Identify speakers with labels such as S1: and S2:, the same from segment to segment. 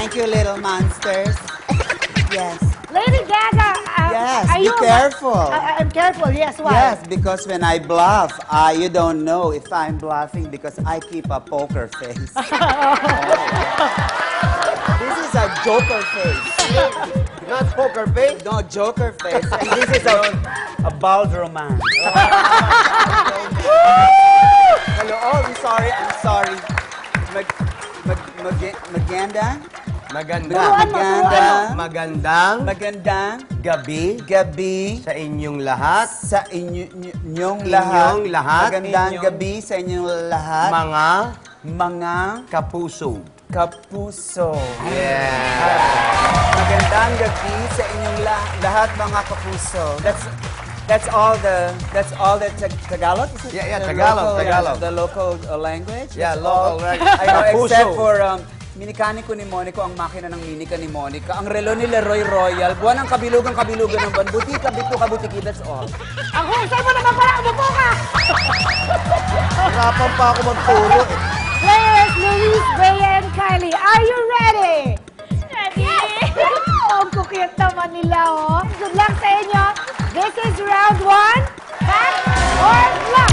S1: Thank you, little monsters. Yes.
S2: Lady Gaga,
S1: Yes,
S2: are
S1: be
S2: you
S1: careful.
S2: I'm careful, yes, why?
S1: Yes, because when I bluff, you don't know if I'm bluffing because I keep a poker face. This is a joker face.
S3: Not poker face.
S1: No, joker face. And this is a bald romance. Hello, oh, I'm sorry. Maganda? Magandang gabi
S3: sa inyong lahat.
S1: sa inyong lahat. Magandang gabi sa inyong lahat. Mga
S3: Kapuso.
S1: kapuso.
S3: Yeah.
S1: Magandang gabi sa inyong lahat mga kapuso. That's all the Tagalog? Is it
S3: Yeah,
S1: the
S3: Tagalog,
S1: local,
S3: Tagalog.
S1: The local language?
S3: Yeah,
S1: That's
S3: local
S1: all.
S3: language.
S1: I know,
S3: Kapuso.
S1: except for Minikaniko ni Monico, ang makina ng minika ni Monica. Ang relo ni Leroy Royal. Buwan ng kabilugan ng ban. Buti, kabiti, that's all.
S2: Ang husay mo naman pala, umupo ka!
S3: Hirapan pa ako magturo.
S2: Players Luis, Bea, and Kylie, are you ready?
S4: Ready?
S2: Ang kukiyot naman nila, oh. Good luck sa inyo. This is round 1. Fact or luck?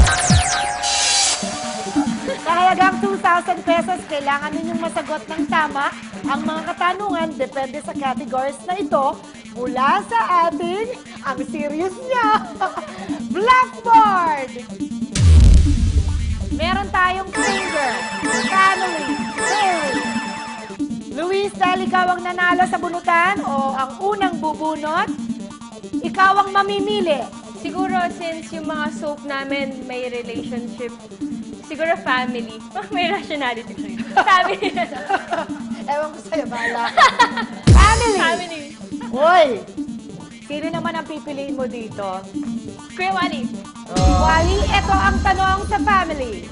S2: Sa halagang 2,000 pesos, kailangan ninyong masagot ng tama ang mga katanungan depende sa categories na ito mula sa ating, ang serious niya, Blackboard! Meron tayong finger, family, theory. Luis, dahil ikaw ang nanalo sa bunutan o ang unang bubunot, ikaw ang mamimili.
S4: Siguro since yung mga soap namin may relationship, siguro family. May rationality siya. Family.
S2: Ewan ko sa'yo, bahala ka. Family!
S4: Family.
S2: Hoy! Sino naman ang pipiliin mo dito?
S4: Kuya Wally.
S2: Wally, ito ang tanong sa family.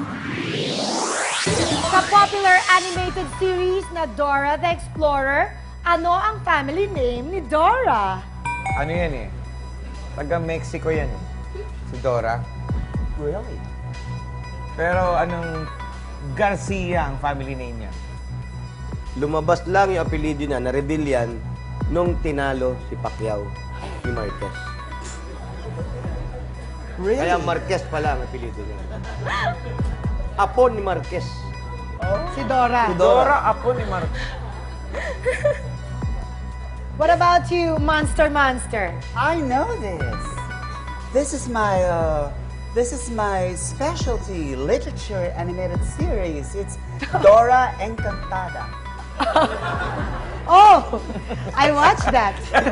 S2: Sa popular animated series na Dora the Explorer, ano ang family name ni Dora?
S5: Ano yan eh? Taga-Mexico yan eh. Si Dora.
S1: Really?
S5: Pero anong Garcia ang family name niya?
S3: Lumabas lang yung apelido niya, na-reveal yan, nung tinalo si Pacquiao ni Marquez.
S1: Really?
S3: Kaya Marquez pala ang apelido niya. Apo ni Marquez.
S2: Si Dora.
S5: Dora, apo ni Mar...
S2: What about you, Monster?
S1: I know this. This is my specialty literature animated series. It's Dora Encantada.
S2: Oh, I watched that.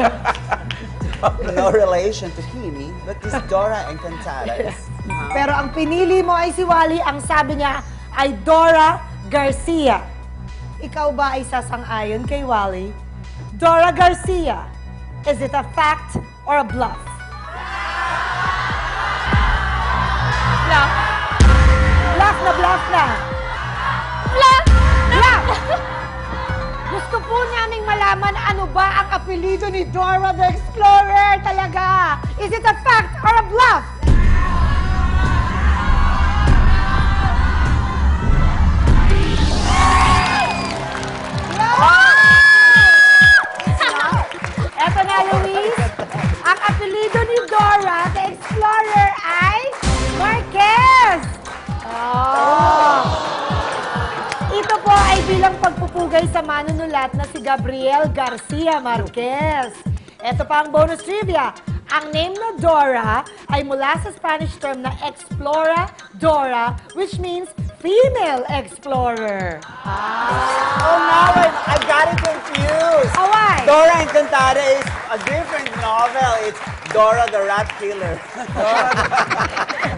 S1: No relation to Kimi, but this Dora Encantada is...
S2: Pero ang pinili mo ay si Wally, ang sabi niya ay Dora Garcia. Ikaw ba ay sasang-ayon kay Wally? Dora Garcia, is it a fact or a bluff?
S4: Bluff.
S2: Bluff na bluff na.
S4: Bluff!
S2: Bluff! Gusto po naming malaman ano ba ang apelido ni Dora the Explorer talaga. Is it a fact or a bluff? Eto na, Luis. Ang apelido ni Dora the Explorer ay Marquez. Oh. Ito po ay bilang pagpupugay sa manunulat na si Gabriel Garcia Marquez. Ito pa ang bonus trivia. Ang name na Dora ay mula sa Spanish term na Explora Dora, which means female explorer.
S1: Oh, now I got it confused.
S2: Oh, why?
S1: Dora Encantada is a different novel. It's Dora the Rat Killer.